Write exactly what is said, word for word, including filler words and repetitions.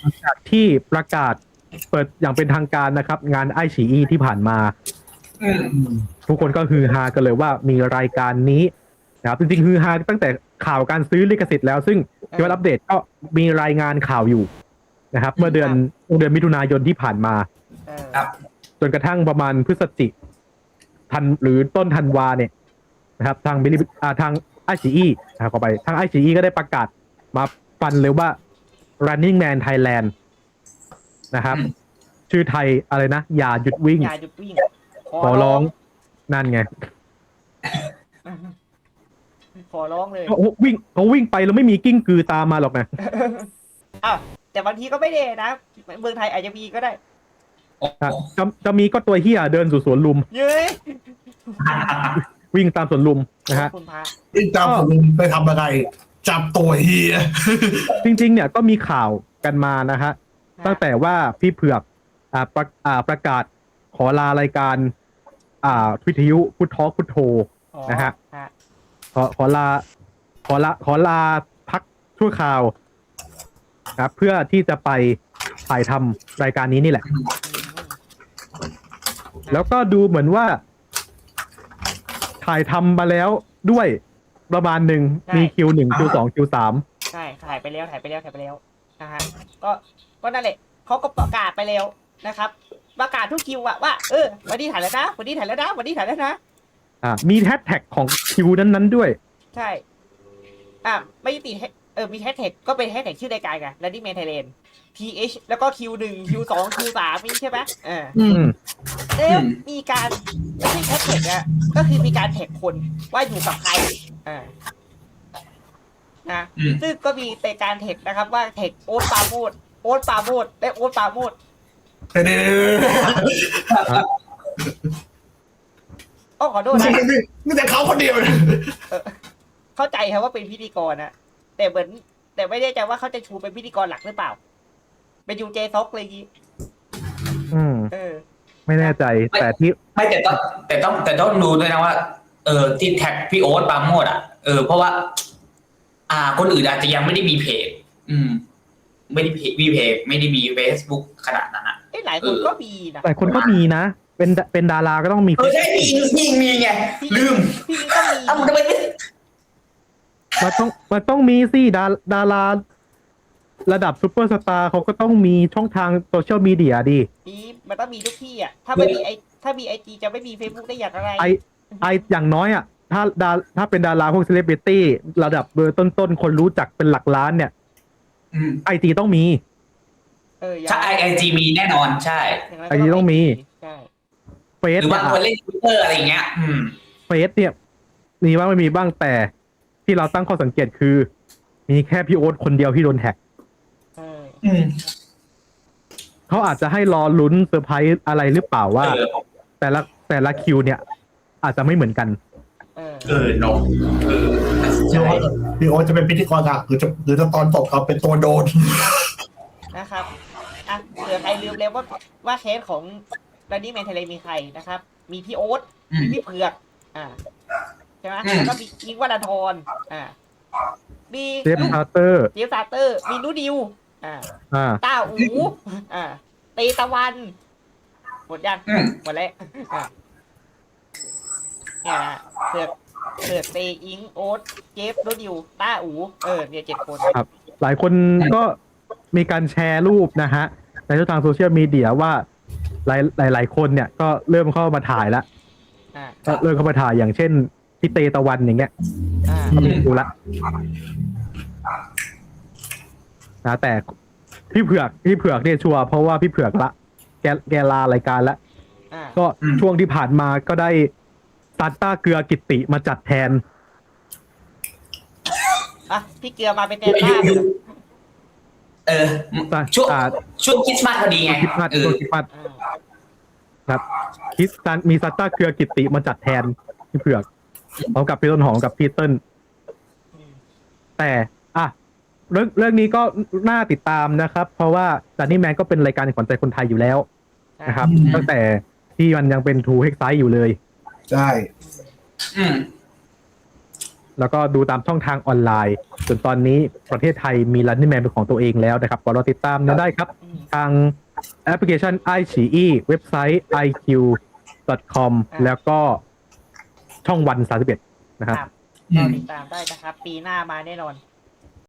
หลังจากที่ประกาศเปิดอย่างเป็นทางการนะครับ งานไอฉีอีที่ผ่านมาอืมทุกคนก็ฮือฮากันเลยว่ามีรายการนี้นะครับจริงๆฮือฮาตั้งแต่ข่าวการซื้อลิขสิทธิ์แล้วซึ่งที่ว่าอัปเดตก็มีรายงานข่าวอยู่นะครับ เมื่อเดือนเดือนมิถุนายนที่ผ่านมาเออครับจนกระทั่งประมาณพฤศจิทันหรือต้นธันวาเนี่ยนะครับ ทางบิลิอ่าทางไอซีอีนะครับเข้าไปทางไอซีอีก็ได้ประกาศมาฟันเลยว่า Running Man Thailand นะครับอืมชื่อไทยอะไรนะ อย่าหยุดวิ่งอย่าหยุดวิ่งขอร้องนั่นไงขอร้องเลยเขาวิ่งเขาวิ่งไปแล้วไม่มีกิ้งกือตามมาหรอกนะอ้าวแต่บางทีก็ไม่ได้นะเมืองไทยอาจจะมีก็ได้จะจะมีก็ตัวเฮียเดินสู่สวนลุมเย้ยวิ่งตามสวนลุมนะฮะคุณพระอีกจำผมไปทำอะไร จับตัวเฮียจริงๆเนี่ยก็มีข่าวกันมานะฮะตั้งแต่ว่าพี่เผือกอ่าประอ่าประกาศขอลารายการอ่าวิทยุพุททอพุทโธอ๋อนะฮะฮะขอขอลาขอลาขอลาพักชั่วคราวนะครับเพื่อที่จะไปถ่ายทำรายการนี้นี่แหละ แล้วก็ดูเหมือนว่า ถ่ายทำมาแล้วด้วยประมาณหนึ่งมีคิวหนึ่งคิวสองคิวสามใช่ถ่ายไปแล้วถ่ายไปแล้วถ่ายไปแล้วนะฮะก็ก็นั่นแหละเขาก็ประกาศไปแล้วนะครับ ประกาศทุกคิวอะว่าเออวันนี้ถ่ายแล้วนะวันนี้ถ่ายแล้วนะวันนี้ถ่ายแล้วนะอ่ามีแฮชแท็กของคิวนั้นๆด้วยใช่ อ่ะไม่ติดเออมีแฮชแท็กก็เป็นแฮชแท็กชื่อรายการไง Running Man Thailand ที เอช แล้วก็ คิว หนึ่ง คิว สอง คิว สามนี่ใช่ไหมเอออืมแล้วมีการไม่ใช่แฮชแท็กอะก็คือมีการแท็กคนว่าอยู่กับใครอ่านะอืมซึ่งก็มีแต่การแท็กนะครับว่าแท็กโอ๊ตปราโมดโอ๊ตปราโมดและโอ๊ตปราโมดเดี๋ยวอ้อขอโทษนี่นะนี่นี่แต่เขาคนเดียวเลยเข้าใจครับว่าเป็นพิธีกรนะแต่เหมือนแต่ไม่แน่ใจว่าเขาจะชูเป็นพิธีกรหลักหรือเปล่า เป็นยูเจซ็อกเลยงี้อืมเออไม่แน่ใจแต่ที่ไม่แต่ต้องแต่ต้องแต่ต้องดูด้วยนะว่า เออที่แท็กพี่โอ๊ตปราโมดอ่ะเออเพราะว่า อ่า คนอื่นอาจจะยังไม่ได้มีเพจ อืม ไม่ได้เพจมีเพจไม่ได้มี Facebook ขนาดนั้นอ่ะเอ้หลายคนก็มีนะแต่คนก็มีนะ เป็นเป็นดาราก็ต้องมีเออใช่มีมีมีไงลืมพี่มิ้นก็มีเอ้าทำไมไม่มันต้องมันต้องมีสิดาดาราระดับซูเปอร์สตาร์เขาก็ต้องมีช่องทางโซเชียลมีเดียดิมีมันต้องมีทุกที่อ่ะ ถ้าไม่มีไอถ้ามีไอจีจะไม่มีเฟซบุ๊กได้อย่างไรไอไออย่างน้อยอ่ะ ถ้าดาถ้าเป็นดาราพวกเซเลบริตี้ระดับเบอร์ต้นๆ คนรู้จักเป็นหลักล้านเนี่ยอืมไอจีต้องมีเอออย่างใช่ไอจีมีแน่นอนใช่ย่างนั้นไอจีต้องมีใช่เฟหซรือเนี่บาย งคนเล่นทวิตเตอร์อะไรอย่างเงี้ย อืมเฟซเนี่ยมีบ้างไม่มีบ้างแต่ที่เราตั้งข้อสังเกตคือ มีแค่พี่โอ๊ตคนเดียวที่โดนแท็กเอออืมเขาอาจจะให้รอลุ้นเซอร์ไพรส์อะไรหรือเปล่าว่าเออแต่ละแต่ละคิวเนี่ย อาจจะไม่เหมือนกันเออเออนกเออพี่ใช่โอ๊ตพี่โอ๊ตจะเป็นพิธีกรหลักหรือจะหรือจะตอนตกเขาเป็นตัวโดนนะครับอ่ะเผื่อใครลืมแล้วว่าว่าเคสของรันนี่แมนเทเลมีใครนะครับ มีพี่โอ๊ตอืมมีพี่เผือก อ่าใช่ไหมอืมแล้วก็มีอิงค์วัลธรอ่ามีเจฟคาร์เตอร์เจฟซาเตอร์ มีนูดิว อ่าอ่าต้าอูอ่าเตตะวัน หมดยังอืมหมดแล้วอ่ะเนี่ยนะเผือกเผือกเตอิงโอ๊ตเจฟนูดิวต้าอูเออเนี่ยเจ็ดคนครับ หลายคนก็มีการแชร์รูปนะฮะ ในช่องทางโซเชียลมีเดียว่าหลายหลายหลายคนเนี่ยก็เริ่มเข้ามาถ่ายแล้วอ่าก็เริ่มเข้ามาถ่ายอย่างเช่นพี่เตตะวันอย่างเงี้ยอ่าก็มีดูละนะแต่พี่เผือกพี่เผือกเนี่ยชัวร์เพราะว่าพี่เผือกละแกแกลารายการละอ่าก็อืมช่วงที่ผ่านมาก็ได้ซานต้าเกลือกิตติมาจัดแทนอ่ะพี่เกลือมาเป็นแทนอบ้ายู่นเออ ช่วงอ่าช่วงคริสต์มาสพอดีไงคริสต์มาสเออช่วงคริสต์มาสอ่าครับคริสตันมีซานต้าเกลือกิตติมาจัดแทนพี่เผือกพร้อมกับพี่ต้นหอมกับพี่เติ้ลอืมแต่อ่ะเรื่องเรื่องนี้ก็น่าติดตามนะครับ เพราะว่าจันนี่แมนก็เป็นรายการขวัญใจคนไทยอยู่แล้วนะครับอืมตั้งแต่ที่มันยังเป็นทูเฮกไซอยู่เลยใช่อืมแล้วก็ดูตามช่องทางออนไลน์จนตอนนี้ประเทศไทยมี Running Man เป็นของตัวเองแล้วนะครับก็รอติดตามนะได้ครับอืมทางแอปพลิเคชัน ไอ ซี อี เว็บไซต์ ไอ คิว ดอท คอมอ่าแล้วก็ช่องวันสามสิบเอ็ดนะครับครับอืก็มติดตามได้นะครับ ปีหน้ามาแน่นอน